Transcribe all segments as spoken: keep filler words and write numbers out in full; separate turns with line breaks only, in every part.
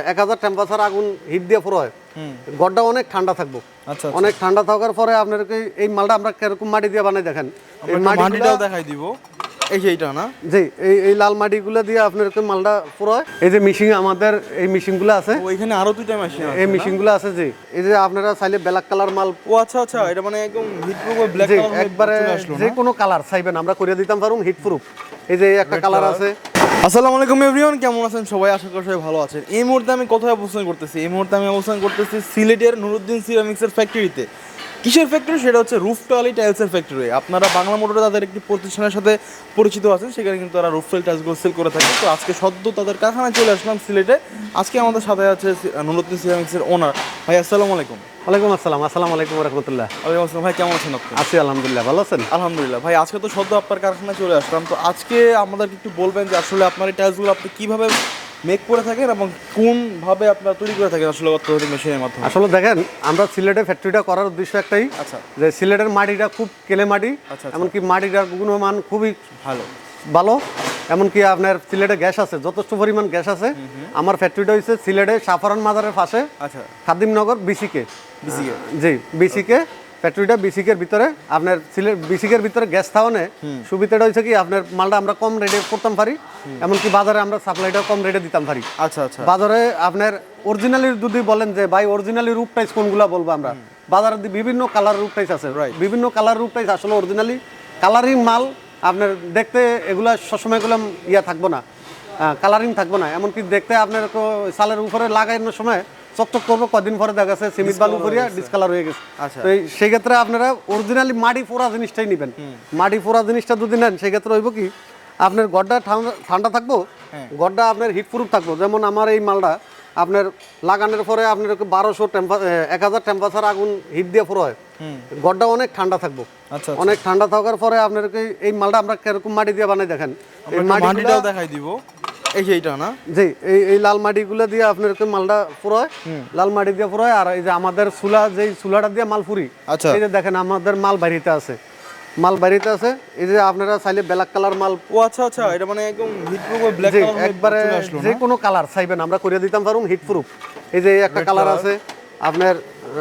এক হাজার টেম্পারেচার আগুন হিট দিয়ে পুরো হয়, গড়টা অনেক ঠান্ডা থাকবো।
আচ্ছা,
অনেক ঠান্ডা থাকার পরে আপনাদেরকে এই মালটা আমরা কিরকম মাটি দিয়ে বানাই দেখেন, এই
মাটিটাও দেখাই দিব। এই যে এইটা না,
জি এই এই লাল মাটিগুলো দিয়ে আপনাদেরকে মালটা পুরো হয়। এই যে মেশিন আমাদের এই মেশিনগুলো আছে,
ওইখানে আরো দুইটা মেশিন আছে,
এই মেশিনগুলো আছে। জি এই যে আপনারা চাইলে ব্ল্যাক কালার মাল,
ও আচ্ছা আচ্ছা, এটা মানে একদম হিট প্রুফ ব্ল্যাক কালার
একবারে যে কোনো কালার চাইবেন আমরা করে দিতাম পারুম হিট প্রুফ। এই যে একটা কালার আছে।
আসসালামু আলাইকুম এভরিওয়ান, কেমন আছেন সবাই? আশা করি সবাই ভালো আছেন। এই মুহূর্তে আমি কোথায় অবস্থান করতেছি? এই মুহূর্তে আমি অবস্থান করতেছি সিলেটের নুরুদ্দিন সিরামিক্সের ফ্যাক্টরিতে। কিসের ফ্যাক্টরি? সেটা হচ্ছে রুফটলি টাইলসের ফ্যাক্টরি। আপনারা বাংলা মোটরে তাদের একটি প্রতিষ্ঠানের সাথে পরিচিত আছেন, সেখানে কিন্তু তারা রুফটলি টাইলসগুলো সেল করে থাকে। তো আজকে সদ্য তাদের কারখানায় চলে আসলাম সিলেটে। আজকে আমাদের সাথে আছে নুরুদ্দিন সিরামিক্সের ওনার ভাই। আসসালামু আলাইকুম।
ওয়ালাইকুম আসসালাম। আসসালামু আলাইকুম ওয়া রাহমাতুল্লাহ।
ওয়ালাইকুম আসসালাম ভাই, কেমন আছেন আপনি?
আছি আলহামদুলিল্লাহ, ভালো আছেন?
আলহামদুলিল্লাহ ভাই। আজকে তো সদ্য আপনার কারখানায় চলে আসলাম, তো আজকে আমাদেরকে একটু বলবেন যে আসলে আপনার এই টাইলসগুলো আপনি কীভাবে মেক করে থাকেন এবং কোনভাবে আপনারা তৈরি করে থাকেন আসলে অত্যাধুনিক মেশিনের মাধ্যমে।
আসলে দেখেন, আমরা সিলেটে ফ্যাক্টরিটা করার উদ্দেশ্য একটাই,
আচ্ছা,
যে সিলেটের মাটিটা খুব কেলে মাটি,
আচ্ছা,
এমনকি মাটিটার গুণমান খুবই
ভালো
ভালো। এমনকি আপনার সিলেটে গ্যাস আছে, যথেষ্ট পরিমাণ গ্যাস আছে। আমার ফ্যাক্টরিটা হচ্ছে সিলেটে সাফারান মাজারের পাশে,
আচ্ছা,
খাদিমনগর বিসিকে।
বিসিকে
জি বিসিকে ফ্যাক্টরিটা বিসিকের ভিতরে। আপনার সিলেট বিসিকের ভিতরে গ্যাস থাওয়ানে সুবিধাটা হয়েছে কি, আপনার মালটা আমরা কম রেটে করতাম পারি, এমনকি বাজারে আমরা সাপ্লাইটা কম রেটে দিতাম পারি।
আচ্ছা আচ্ছা,
বাজারে আপনার অরিজিনালি যদি বলেন যে ভাই অরিজিনালি রুপ টাইস কোনগুলো বলবো আমরা, বাজারে বিভিন্ন কালার রুপ টাইস আছে, বিভিন্ন কালার রুপ টাইস। আসলে অরিজিনালি কালারিং মাল আপনার দেখতে এগুলা সবসময় এগুলো ইয়া থাকবো না, কালারিং থাকবো না। এমনকি দেখতে আপনার সালের উপরে লাগানোর সময় চকচক করবো, কদিন পরে দেখা গেছে সিমেন্ট বালু করিয়া ডিসকালার হয়ে গেছে। তো সেই ক্ষেত্রে আপনারা অরিজিনালি মাটি ফোড়া জিনিসটাই নেবেন। মাটি ফোড়া জিনিসটা যদি নেন, সেই ক্ষেত্রে হইব কি, আপনার গড়টা ঠান্ডা ঠান্ডা থাকবো, গড়টা আপনার হিট প্রুফ থাকবো। যেমন আমার এই মালটা আপনার লাগানোর পরে আপনার বারোশো টেম্পার এক হাজার টেম্পারেচার আগুন হিট দিয়ে পুরো হয়, গড়টা অনেক ঠান্ডা থাকবো। অনেক ঠান্ডা থাকার পরে আপনার এই মালটা আমরা কিরকম মাটি দিয়ে বানাই দেখেন, এই
মাটিটাও দেখাই দিব। এই যে এইটা না,
জি এই এই লাল মাটিগুলো দিয়ে আপনার মালটা পুরো হয়, লাল মাটি দিয়ে পুরো হয়। আর এই যে আমাদের চুলা, যে চুলাটা দিয়ে মাল পুরি, এই যে দেখেন আমাদের মাল বাড়িতে আছে, মাল বাড়িতে আছে। এই যে আপনারা চাইলে ব্ল্যাক কালার মাল,
ও আচ্ছা আচ্ছা, এটা মানে একদম হিট প্রুফ ব্ল্যাক কালার
একবারে যে কোনো কালার চাইবেন আমরা করে দিতাম পারুম হিট প্রুফ। এই যে একটা কালার আছে আপনার,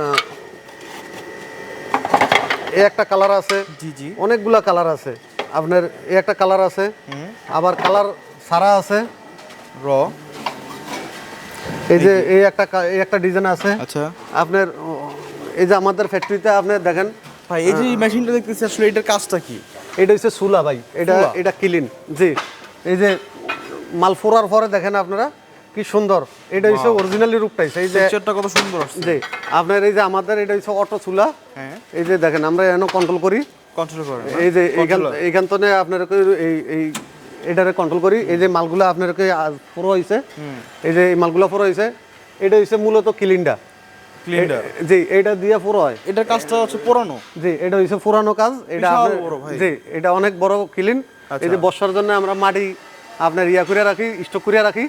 এই একটা কালার আছে, জি জি অনেকগুলা কালার আছে আপনার। এই একটা কালার আছে, আবার কালার সারা আছে
র।
এই যে এই একটা এই একটা ডিজাইন আছে।
আচ্ছা,
আপনার এই যে আমাদের ফ্যাক্টরিতে আপনি দেখেন
ভাই, এই যে মেশিনটা দেখতেছি আসলে এটার কাজটা কি?
এটা হচ্ছে সুলা ভাই, এটা এটা ক্লিন। জি এই যে মাল ফোড়ার পরে দেখেন আপনারা কি সুন্দর, এটা হচ্ছে অরিজিনালি রূপটাই। এই যে
পিকচারটা কত সুন্দর আসছে।
জি আপনার এই যে আমাদের এটা হচ্ছে অটো চুলা।
হ্যাঁ,
এই যে দেখেন আমরা এখানে কন্ট্রোল করি,
কন্ট্রোল করেন।
এই যে এইখান এইখান থেকে আপনার এই এই এটারে কন্ট্রোল করি। এই যে মালগুলো আপনার পুরো হয়েছে, এই যে এই মালগুলো পুরো হয়েছে, এটা হচ্ছে মূলত ক্লিনটা। জি এটা দিয়ে পুরো হয়,
এটার কাজটা হচ্ছে পুরানো।
জি এটা হচ্ছে পুরানো কাজ। এটা জি এটা অনেক বড় ক্লিন। এই যে বর্ষার জন্য আমরা মাটি আপনার ইয়া করে রাখি, স্টক করে রাখি।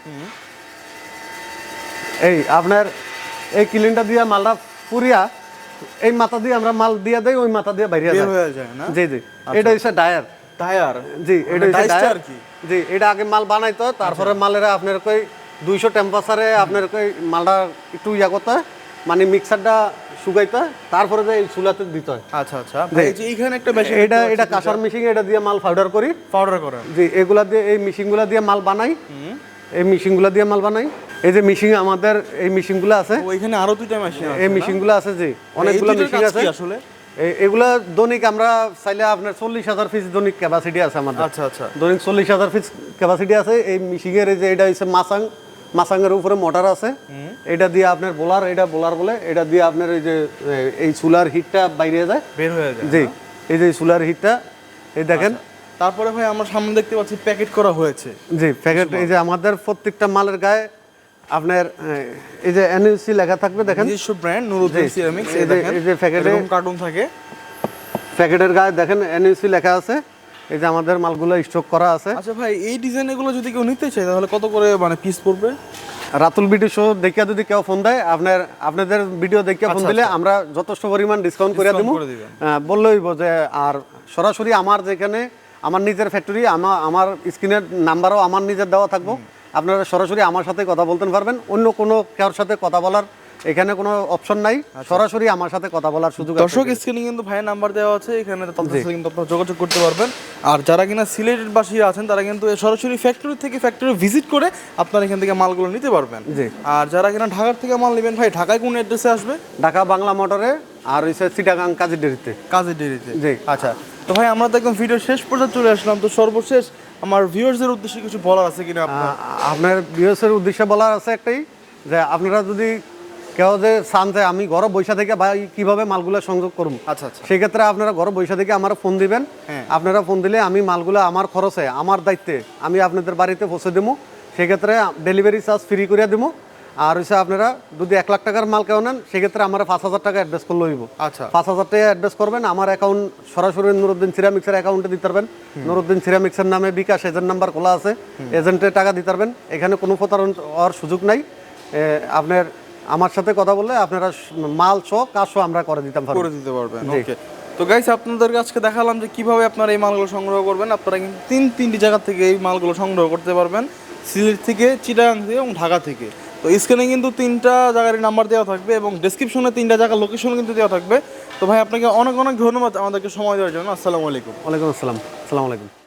এই আপনার এই ক্লিনটা দিয়ে মালটা পুরিয়া এই মাথা দিয়ে আমরা মাল দিয়ে দেই, ওই মাথা দিয়ে বাইরে
যায় না।
জি জি এটা হচ্ছে ডায়ার।
ডায়ার,
জি এটা হচ্ছে ডায়ার। জি এটা আগে মাল বানাইতো, তারপরে মালের আপনার কই দুইশো টেম্পারেচারে আপনার কই মালটা একটু ইয়া করতে হয়, মানে মিক্সারটা শুকাইতে, তারপরে যে এই চুলাতে দিতে হয়।
আচ্ছা আচ্ছা, এই যে এইখানে একটা মেশিন,
এটা এটা কাঁসার মেশিন, এটা দিয়ে মাল পাউডার করি,
পাউডার করেন।
জি এগুলা দিয়ে এই মেশিনগুলা দিয়ে মাল বানাই, এই মেশিনগুলা দিয়ে মাল বানাই। এই যে মেশিন আমাদের এই মেশিনগুলো আছে,
ওইখানে আরো দুইটা মেশিন আছে,
এই মেশিনগুলো আছে। জি অনেকগুলো মেশিন আছে
আসলে।
এগুলা দৈনিক আমরা চাইলে আপনার চল্লিশ হাজার পিস দৈনিক ক্যাপাসিটি আছে আমাদের।
আচ্ছা আচ্ছা,
দৈনিক চল্লিশ হাজার পিস ক্যাপাসিটি আছে এই মেশিনের। এই যে এটা হচ্ছে মাসাং, মাসাংয়ের উপরে মোটর আছে, এটা দিয়ে আপনার বোলার, এটা বোলার বলে, এটা দিয়ে আপনার এই যে এই চুলার হিটটা বাইরে যায়, বের হয়ে যায়। জি এই যে চুলার হিটটা এই দেখেন।
তারপরে ভাই আমরা সামনে দেখতে পাচ্ছি প্যাকেট করা হয়েছে।
জি প্যাকেট, এই যে আমাদের প্রত্যেকটা মালের গায়ে আপনার এই যে এনইউসি লেখা থাকবে, দেখেন
নিজস্ব ব্র্যান্ড নুরুদ্দিন সিরামিক্স।
এই যে এই যে প্যাকেটে
কার্টুন থাকে,
প্যাকেটের গায়ে দেখেন এনইউসি লেখা আছে। এই যে আমাদের মালগুলো স্টক করা আছে।
আচ্ছা ভাই, এই ডিজাইনগুলো যদি কেউ নিতে চায় তাহলে কত করে মানে পিস পড়বে?
রাতুল ভিডিও শো দেখিয়া যদি কেউ ফোন দেয়, আপনার আপনাদের ভিডিও দেখিয়া ফোন দিলে আমরা যথেষ্ট পরিমাণ ডিসকাউন্ট করে দেবো, বললেই যে। আর সরাসরি আমার যেখানে আমার নিজের ফ্যাক্টরি, আমার আমার স্ক্রিনের নাম্বারও আমার নিজের দেওয়া থাকবো, আপনারা সরাসরি আমার সাথে কথা বলতে পারবেন, অন্য কোনো কারোর সাথে কথা বলার এখানে কোনো অপশন নাই, সরাসরি আমার সাথে কথা বলার সুযোগ আছে।
দর্শক স্ক্রিনে কিন্তু ভাইয়ের নাম্বার দেওয়া আছে, এখানে তাদের সাথে কিন্তু আপনারা যোগাযোগ করতে পারবেন। আর যারা কিনা সিলেটের বাসী আছেন তারা কিন্তু সরাসরি ফ্যাক্টরি থেকে ফ্যাক্টরি ভিজিট করে আপনারা এখান থেকে মালগুলো নিতে পারবেন।
জি।
আর যারা কিনা ঢাকার থেকে মাল নেবেন ভাই, ঢাকায় কোন অ্যাড্রেসে আসবে?
ঢাকা বাংলা মোটরে আর হচ্ছে চিটাগাং কাজী ডেরিতে।
কাজী ডেরিতে।
জি।
আচ্ছা, তো ভাই আমরা তো একদম ভিডিও শেষ পর্যন্ত চলে আসলাম, তো সর্বশেষ আমার ভিউয়ার্সদের উদ্দেশ্যে কিছু বলার আছে কিনা আপনার?
আহ, আপনার বিএসের উদ্দেশ্যে বলার আছে একটাই, যে আপনারা যদি কেউ যে চান যে আমি ঘরে বৈশা থেকে ভাই কিভাবে মালগুলো সংযোগ করব,
আচ্ছা আচ্ছা।
সেক্ষেত্রে আপনারা ঘরে বৈশা থেকে আমার ফোন দিবেন।
হ্যাঁ।
আপনারা ফোন দিলে আমি মালগুলো আমার খরচে আমার দায়িত্বে আমি আপনাদের বাড়িতে পৌঁছে দেবো, সেক্ষেত্রে ডেলিভারি চার্জ ফ্রি করে দেবো। আর হচ্ছে আপনারা যদি এক লাখ টাকার মাল কেউ নেন সেক্ষেত্রে আমার পাঁচ হাজার টাকা অ্যাডভান্স করলে হইব।
আচ্ছা।
পাঁচ হাজার টাকা অ্যাডভান্স করবেন, আমার অ্যাকাউন্ট সরাসরি নুরুদ্দিন সিরামিক্সের অ্যাকাউন্টে দিতে পারবেন। নুরুদ্দিন সিরামিক্সের নামে বিকাশ এজেন্ট নাম্বার খোলা আছে, এজেন্টে টাকা দিতে পারবেন, এখানে কোনো প্রতারণ হওয়ার সুযোগ নাই। এ, আপনার আমার সাথে কথা বললে আপনারা মাল সহ কাজ সহ আমরা করে দিতাম পারবো।
করে দিতে পারবেন।
জি।
ওকে, তো গাইস আপনাদের আজকে দেখালাম যে কিভাবে আপনারা এই মালগুলো সংগ্রহ করবেন। আপনারা কিন্তু তিন তিনটি জায়গা থেকে এই মালগুলো সংগ্রহ করতে পারবেন, সিলেট থেকে, চিটাগাং থেকে এবং ঢাকা থেকে। তো স্ক্রিনে কিন্তু তিনটা জায়গার নাম্বার দেওয়া থাকবে এবং ডেসক্রিপশনে তিনটা জায়গার লোকেশন কিন্তু দেওয়া থাকবে। তো ভাই আপনাকে অনেক অনেক ধন্যবাদ আমাদেরকে সময় দেওয়ার জন্য। আসসালামু আলাইকুম।
ওয়ালাইকুম আসসালাম। আসসালামু আলাইকুম।